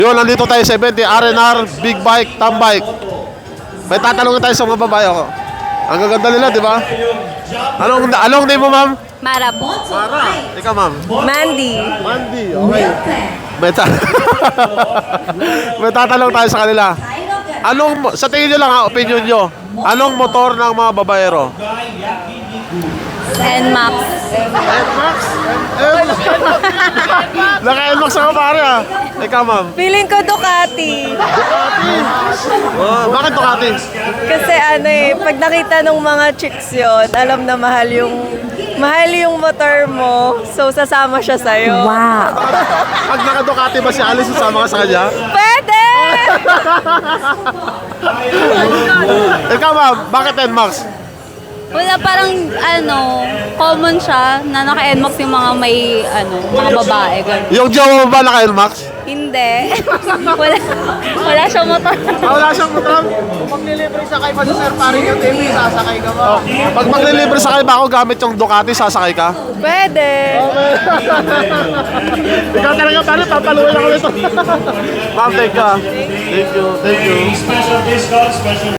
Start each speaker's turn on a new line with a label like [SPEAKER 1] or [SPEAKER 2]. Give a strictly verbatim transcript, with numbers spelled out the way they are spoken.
[SPEAKER 1] Yun, nandito tayo sa event, R and R, Big Bike, Tam Bike. May tatanungin tayo sa mga babae ako. Ang gaganda nila, di ba? Anong, anong name mo, ma'am?
[SPEAKER 2] Mara po.
[SPEAKER 1] Mara. Ikaw, ma'am?
[SPEAKER 2] Mandy.
[SPEAKER 1] Mandy, okay. May, ta may tatanong tayo sa kanila. Anong, sa tingin nyo lang ha, opinion nyo, anong motor ng mga babaero?
[SPEAKER 2] N-Max.
[SPEAKER 1] N-Max? Naka-N-Max ako pare ah. Ikaw, ma'am?
[SPEAKER 2] Feeling ko Ducati.
[SPEAKER 1] Ducati. Oh, bakit Ducati?
[SPEAKER 2] Kasi ano eh, pag nakita ng mga chicks yun, alam na mahal yung mahal yung motor mo, so sasama siya sa'yo. Wow.
[SPEAKER 1] Pag naka-Ducati ba si Alice, sasama ka sa kanya?
[SPEAKER 2] Pwede!
[SPEAKER 1] Ikaw, ma'am, bakit N-Max?
[SPEAKER 3] Wala, parang ano, common siya na naka-N-Max yung mga may ano, mga babae. Ganun.
[SPEAKER 1] Yung jowa mo ba naka-N-Max?
[SPEAKER 3] Hindi. wala, wala siyang motor.
[SPEAKER 1] Ah, wala siyang motor?
[SPEAKER 4] Maglilibre sa kay pa sa Sir Paring yung T V, sasakay ka ba?
[SPEAKER 1] Oh, pag maglilibre sa kayo ba ako gamit yung Ducati, sasakay ka?
[SPEAKER 2] Pwede!
[SPEAKER 1] Ikaw talaga, paano papaluin ako nito? Ma'am, thank you. Thank you, thank you.
[SPEAKER 5] Special discount, special